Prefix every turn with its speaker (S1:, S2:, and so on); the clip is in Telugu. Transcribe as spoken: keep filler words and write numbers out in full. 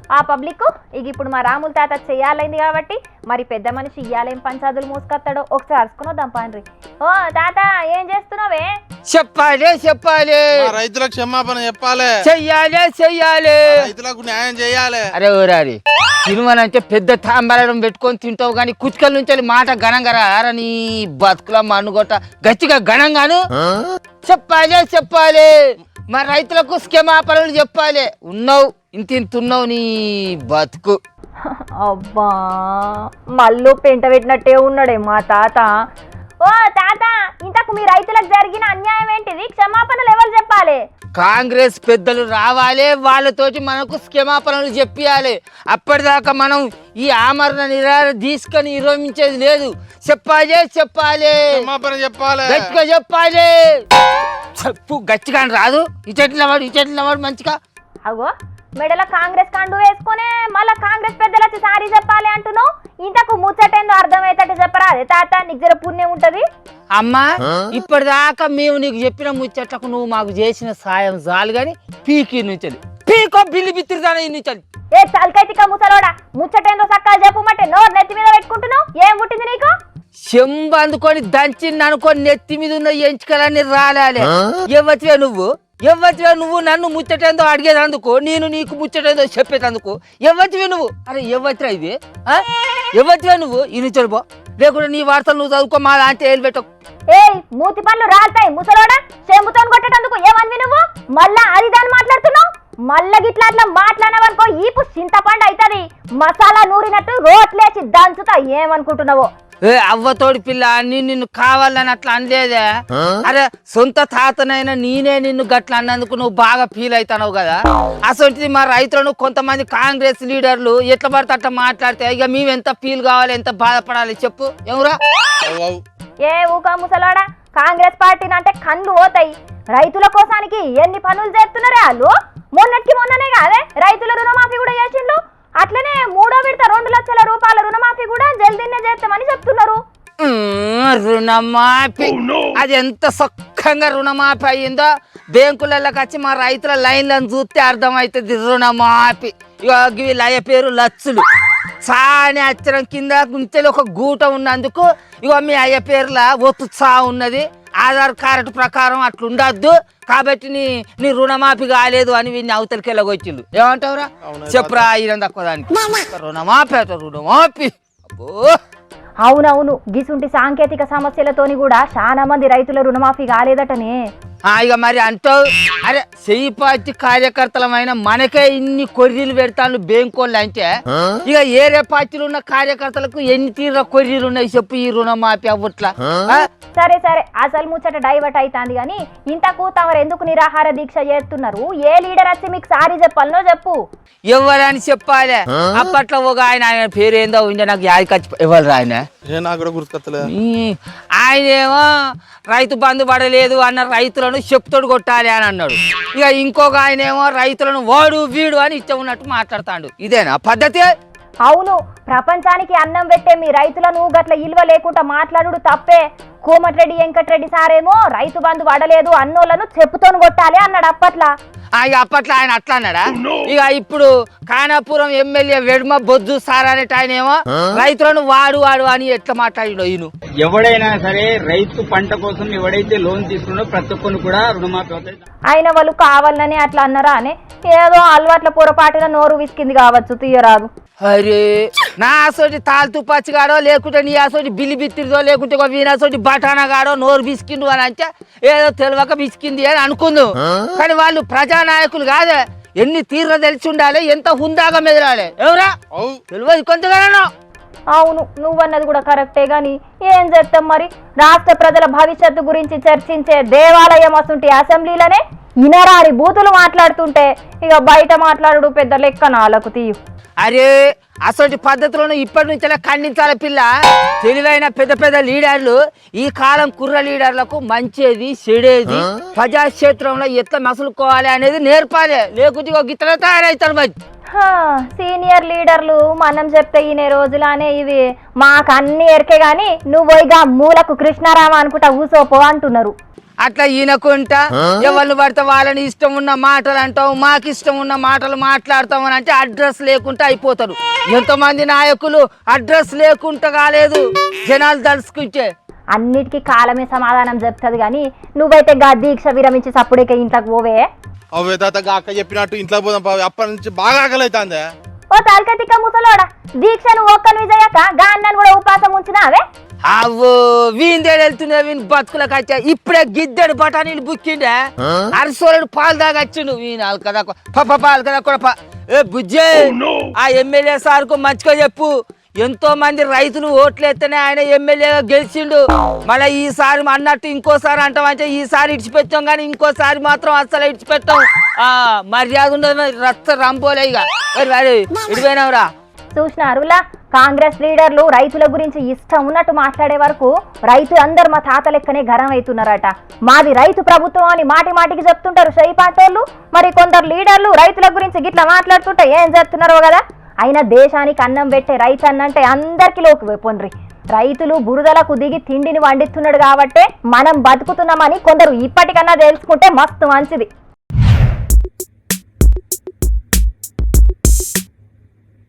S1: ఆ పబ్లిక్ ఇక ఇప్పుడు మా రాముల తాత చెయ్యాలైంది కాబట్టి మరి పెద్ద మనిషి ఇయ్యాలేం పంచాదులు మోసుకొస్తాడో ఒకసారి అరుచుకుని వద్దాం పాండ్రి. ఓ తాత ఏం చేస్తున్నావే?
S2: చెప్పాలి చెప్పాలి
S3: రైతులకు క్షమాపణ చెప్పాలి,
S2: చెయ్యాలి చెయ్యాలి,
S3: రైతులకు న్యాయం చేయాలి.
S2: అరే ఊరారి తినుమనంటే పెద్ద తాంబరం పెట్టుకొని తింటావు కానీ కుచ్కల నుంచి మాట ఘనంగా రారా నీ బతుకుల మన్నుగొట్ట గట్టిగా ఘనంగాను చెప్పాలి చెప్పాలి. మరి రైతులకు క్షమాపణలు చెప్పాలి. ఉన్నావు ఇంత ఇంతున్నావు నీ బతుకు.
S1: అబ్బా మళ్ళీ పెంట పెట్టినట్టే ఉన్నాడే మా తాత. ఓ తాత ఇంతకు మీ రైతులకు జరిగిన అన్యాయం ఏంటిది? క్షమాపణలు ఎవరు చెప్పాలి?
S2: కాంగ్రెస్ పెద్దలు రావాలి, వాళ్ళతోటి మనకు క్షమాపణలు చెప్పియాలి. అప్పటిదాకా మనం ఈ ఆమరణ నిరాహార తీసుకొని విరమించేది లేదు. చెప్పాలి చెప్పాలి
S3: క్షమాపణ చెప్పాలి,
S2: గట్టిగా చెప్పాలి. చెప్పు గట్టిగా రాదు. ఇచెట్ల వాడు ఇచెట్ల వాడు మంచిగా
S1: అగో మెడల కాంగ్రెస్ కండు వేసుకునే మళ్ళా కాంగ్రెస్ పెద్దలు వచ్చి సారీ చెప్పాలి అంటున్నావు. ఇంతకు ముచ్చటేందో అర్థమయ్యేటట్టు చెప్పరా? అదే తాత నీకు జర పుణ్యం ఉంటది.
S2: అమ్మా ఇప్పటిదాకా మేము నీకు చెప్పిన ముచ్చట్లకు నువ్వు మాకు చేసిన సాయం చాలు గాని పీకి నుంచి పీకో బిల్లు బిత్తిరిదాన నుంచి.
S1: ఏ తలకైతిక ముసలోడా ముచ్చటేందో సక్కగా చెప్పమంటే నోరు నెత్తి మీద పెట్టుకుంటున్నావు. ఏం పుట్టింది నీకు?
S2: చెంబు అందుకొని దంచింది అనుకొని నెత్తి మీద ఉన్న ఎంచుకలన్నీ రాలాలి. ఎవతివే నువ్వు ఎవతివే నువ్వు నన్ను ముచ్చటేందో అడిగేదందుకు, నేను నీకు ముచ్చటేందో చెప్పేటందుకు ఎవతివే నువ్వు? అరే ఎవతిరా ఇది? ఎవతివే నువ్వు? ఇని చెల్పో లేకుంటే నీ వార్తలు నువ్వు చదువుకో, మా లాంటి ఏళ్ళు పెట్టకు.
S1: ఏ మూతి పనులు రాలుతాయి ముసలోడా. చెంబుతో కొట్టేటందుకు ఏమనివి నువ్వు? మళ్ళా అది దాన్ని మాట్లాడుతున్నావు. మళ్ళా గిట్లా అట్లా మాట్లాడవనుకో ఈపు చింతపండు అవుతుంది. మసాలా నూరినట్టు రోట్లేసి దంచుతా. ఏమనుకుంటున్నావో?
S2: ఏ అవ్వతోడి పిల్ల నేను నిన్ను కావాలని అట్లా అనలేదే. అరే సొంత తాతనైనా నేనే నిన్ను గట్లా అన్నందుకు నువ్వు బాగా ఫీల్ అవుతావు కదా. అసలు మా రైతులను కొంతమంది కాంగ్రెస్ లీడర్లు ఎట్లా పడితే అట్లా మాట్లాడితే ఇక మేము ఎంత ఫీల్ కావాలి, ఎంత బాధపడాలి చెప్పు. ఎవరా
S1: ఏ ఊక ముసలాడా, కాంగ్రెస్ పార్టీని అంటే కళ్ళు పోతాయి. రైతుల కోసానికి ఎన్ని పనులు చేస్తున్నారే వాళ్ళు. మొన్నటికి మొన్ననే కాదే రైతుల రుణమాఫీ కూడా చేసిండ్రు. అట్లనే మూడో విడత రెండు లక్షల రూపాయల రుణమాఫీ కూడా జల్దీనే చేస్తామని చెప్తున్నారు.
S2: రుణమాఫీ అది ఎంత సొక్కంగా రుణమాఫీ అయ్యిందో బ్యాంకులకి వచ్చి మా రైతుల లైన్లను చూస్తే అర్థమవుతుంది. రుణమాఫీ ఇక లయ పేరు లచ్చులు సాని అచ్చరం కింద ఉంటే ఒక గూట ఉన్నందుకు ఇక మీ అయ్య పేర్ల ఒత్తు చా ఉన్నది. ఆధార్ కార్డు ప్రకారం అట్లా ఉండద్దు కాబట్టి నీ నీ రుణమాఫీ కాలేదు అని వీడిని అవతలికి వెళ్ళగొచ్చిండు. ఏమంటావురా చెప్పురా ఇరం తక్కువ దానికి రుణమాఫీ అట రుణమాఫీ. అబ్బో
S1: అవునవును గిసుంటి సాంకేతిక సమస్యలతోని కూడా చాలా మంది రైతుల రుణమాఫీ కాలేదటనే.
S2: ఇక మరి అంటావు. అరే చెయ్యి పార్టీ కార్యకర్తలమైన మనకే ఇన్ని కొర్రీలు పెడతాను బ్యాంకోళ్ళు అంటే ఇక ఏరే పార్టీలు ఉన్న కార్యకర్తలకు ఎన్ని తీర కొర్రీలు ఉన్నాయి చెప్పు ఈ రుణమాఫీ అవ్వట్లా.
S1: సరే సరే అసలు ముచ్చట డైవర్ట్ అవుతుంది కానీ ఇంతకు తమరు ఎందుకు నిరాహార దీక్ష చేస్తున్నారు? ఏ లీడర్ వచ్చి మీకు సారీ చెప్పాలనో చెప్పు.
S2: ఎవరని చెప్పాలి? అప్పట్లో ఒక ఆయన ఆయన పేరు ఏందో ఉండే నాకు యాది ఖర్చు ఎవరు ఆయన ఆయనేమో రైతు బంధు పడలేదు అన్న రైతులను చెప్తోడు కొట్టాలి అని అన్నాడు. ఇక ఇంకొక ఆయనేమో రైతులను వాడు వీడు అని ఇష్టం ఉన్నట్టు మాట్లాడతాడు. ఇదేనా పద్ధతి?
S1: అవును ప్రపంచానికి అన్నం పెట్టే మీ రైతులను గట్ల ఇల్వ లేకుండా మాట్లాడు తప్పే. కోమటిరెడ్డి వెంకటరెడ్డి సారేమో రైతు బంధు పడలేదు అన్నోళ్లను చెప్పుతోను కొట్టాలి అన్నాడు అప్పట్లా.
S2: ఇక అప్పట్లో ఆయన అట్లా అన్నాడా? ఇక ఇప్పుడు కానాపురం ఎమ్మెల్యే వెడుమ బొద్దు సార్ అనేట ఆయన ఏమో రైతులను వాడు వాడు అని ఎట్లా మాట్లాడిండో. ఈయన
S4: ఎవడైనా సరే రైతు పంట కోసం ఎవడైతే లోన్ తీసుకున్నాడో ప్రతి ఒక్కరు కూడా రుణమాఫీ అవుతాయి.
S1: ఆయన వాళ్ళు కావాలని అట్లా అన్నారా అని ఏదో అలవాట్ల పొరపాటున నోరు విసికింది కావచ్చు, తీయరాదు.
S2: అరే నా అసోటి తాల్తూ పచ్చిగాడో లేకుంటే నీ అసోటి బిల్లి బిత్తిరిదో లేకుంటే ఒక వీణసోటి బఠానాగాడో నోరు బిసికిండు అని అంటే ఏదో తెలియక బిసికింది అని అనుకుందాం. కానీ వాళ్ళు ప్రజానాయకులు కాదే. ఎన్ని తీర్ర తెలిసి ఉండాలి, ఎంత హుందాగా మెదలాలి. ఎవరా తెలియదు కొంతగానో.
S1: అవును నువ్వన్నది కూడా కరెక్టే గాని ఏం చేస్తాం మరి. రాష్ట్ర ప్రజల భవిష్యత్తు గురించి చర్చించే దేవాలయం అసంటి అసెంబ్లీలోనే ఇనరాని బూతులు మాట్లాడుతుంటే ఇక బయట మాట్లాడు పెద్ద లెక్క నాలకు తీయు.
S2: అరే అసలు పద్ధతులను ఇప్పటి నుంచే ఖండించాలి పిల్ల. తెలివైన పెద్ద పెద్ద లీడర్లు ఈ కాలం కుర్ర లీడర్లకు మంచిది చెడేది ప్రజాక్షేత్రంలో ఎట్లా మసులుకోవాలి అనేది నేర్పాలి. లేకుంటే గిట్ల తయారవుతారు. మరి
S1: సీనియర్ లీడర్లు మనం చెప్తే ఈయన రోజులానే ఇవి మాకు అన్ని ఎరికే గాని నువ్వు ఇక మూలకు కృష్ణారామ అనుకుంటా ఊసోపో అంటున్నారు.
S2: అట్లా ఈయనకుంటా ఎవరు పడితే వాళ్ళని ఇష్టం ఉన్న మాటలు అంటావు, మాకు ఇష్టం ఉన్న మాటలు మాట్లాడతాం అని అంటే అడ్రస్ లేకుండా అయిపోతారు. ఎంతమంది నాయకులు అడ్రస్ లేకుండా కాలేదు జనాలు తలుసుకుంటే.
S1: అన్నిటికీ కాలమే సమాధానం చెప్తుంది కానీ నువ్వైతే గా దీక్ష విరమించి సప్పుడేక ఇంట్లోకి పోవే.
S3: అవే తాత అక్క చెప్పినట్టు ఇంట్లో పోదాం పావి. అప్పటి నుంచి బాగా ఆకలి అవుతుంది.
S1: ఓ తలకతిక్క ముసలోడా, దీక్షను ఒక్కని విజయక గా అన్నను కూడా ఉపాసం ఉంచినావే.
S2: అవో వీందేడు వెళ్తున్నా వీని బతుకులకు వచ్చా. ఇప్పుడే గిద్దెడు బఠానీలు బుక్కిండే అరసోలేడు పాలు దాగచ్చిండు వీనాలు కదా పప్ప పాలు కదా కూడా. ఏ బుజ్జే ఆ ఎమ్మెల్యే సార్కు మంచిగా చెప్పు. ఎంతో మంది రైతులు ఓట్లు ఎత్తనే ఆయన ఎమ్మెల్యేగా గెలిచిండు. మళ్ళీ ఈసారి అన్నట్టు ఇంకోసారి అంటామంటే ఈసారి ఇడిచిపెట్టాం కానీ ఇంకోసారి మాత్రం అస్సలు ఇడిచిపెట్టాం. ఆ మర్యాద ఉండదు రక్త రంపోలే ఇక ఇడిపోయినావురా.
S1: చూసినారులా కాంగ్రెస్ లీడర్లు రైతుల గురించి ఇష్టం ఉన్నట్టు మాట్లాడే వరకు రైతు అందరు మా తాత లెక్కనే గరం అవుతున్నారట. మాది రైతు ప్రభుత్వం అని మాటి మాటికి చెప్తుంటారు షై పాటోళ్ళు. మరి కొందరు లీడర్లు రైతుల గురించి గిట్లా మాట్లాడుతుంటే ఏం చేస్తున్నారో కదా. అయినా దేశానికి అన్నం పెట్టే రైతు అన్నంటే అందరికి లోకి పొండ్రి. రైతులు బురదలకు దిగి తిండిని వండిస్తున్నాడు కాబట్టే మనం బతుకుతున్నామని కొందరు ఇప్పటికన్నా తెలుసుకుంటే మస్తు మంచిది.